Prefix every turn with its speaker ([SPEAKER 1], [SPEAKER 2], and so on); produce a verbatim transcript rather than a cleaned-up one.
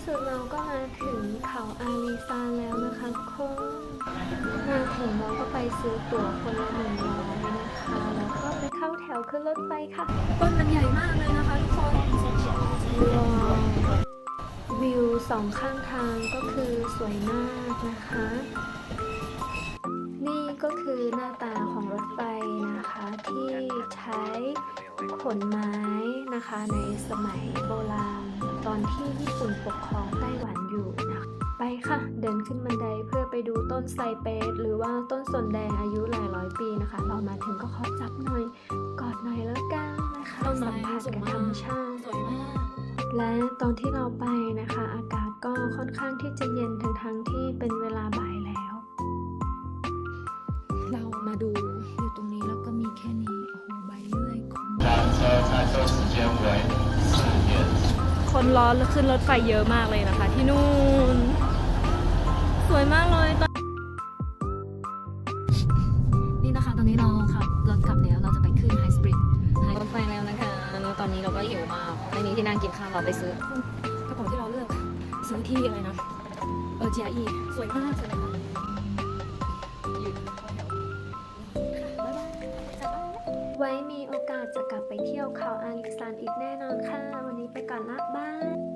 [SPEAKER 1] สุดเราก็มาถึงเขาอาลีซานแล้วนะคะทุกคนมาถึงเราก็ไปซื้อตั๋วคนละหนึ่งร้อยนะคะแล้วก็ไปเข้าแถวขึ้นรถไฟค่ะต้นมันใหญ่มากเลยนะคะทุกคนว้าววิวสองข้างทางก็คือสวยมากนะคะนี่ก็คือหน้าตาของรถไฟนะคะที่ใช้ขนไม้นะคะในสมัยโบราณตอนที่ญี่ปุ่นปกครองไต้หวันอยู่นะไปค่ะเดินขึ้นบันไดเพื่อไปดูต้นไซเปสหรือว่าต้นสนแดงอายุหลายร้อยปีนะคะเรามาถึงก็ขอจับหน่อยกอดหน่อยแล้วกันนะคะสัมผัสกับธรรมชาติและตอนที่เราไปนะคะอากาศก็ค่อนข้างที่จะเย็นทั้งทั้งที่เป็นเวลาบ่ายแล้วเรามาดูอยู่ตรงนี้แล้วก็มีแค่นี้โอ้โหใบเลื่อยคนคนรอขึ้นรถไฟเยอะมากเลยนะคะที่นู่นสวยมากเลยตอนนี่นะคะตอนนี้เราขับรถกลับแล้วเราจะไปขึ้นไฮสปริงรถไฟแล้วนะคะแล้วตอนนี้เราก็หิวมากไม่มีที่นั่งกินข้าวเราไปซื้อกระเป๋าที่เราเลือกซื้อที่อะไรนะเออ จี อาร์ อี สวยมากเลยค่ะไว้มีโอกาสจะกลับไปเที่ยวเขาอาลิซานอีกแน่นอนค่ะวันนี้ไปก่อนละบาย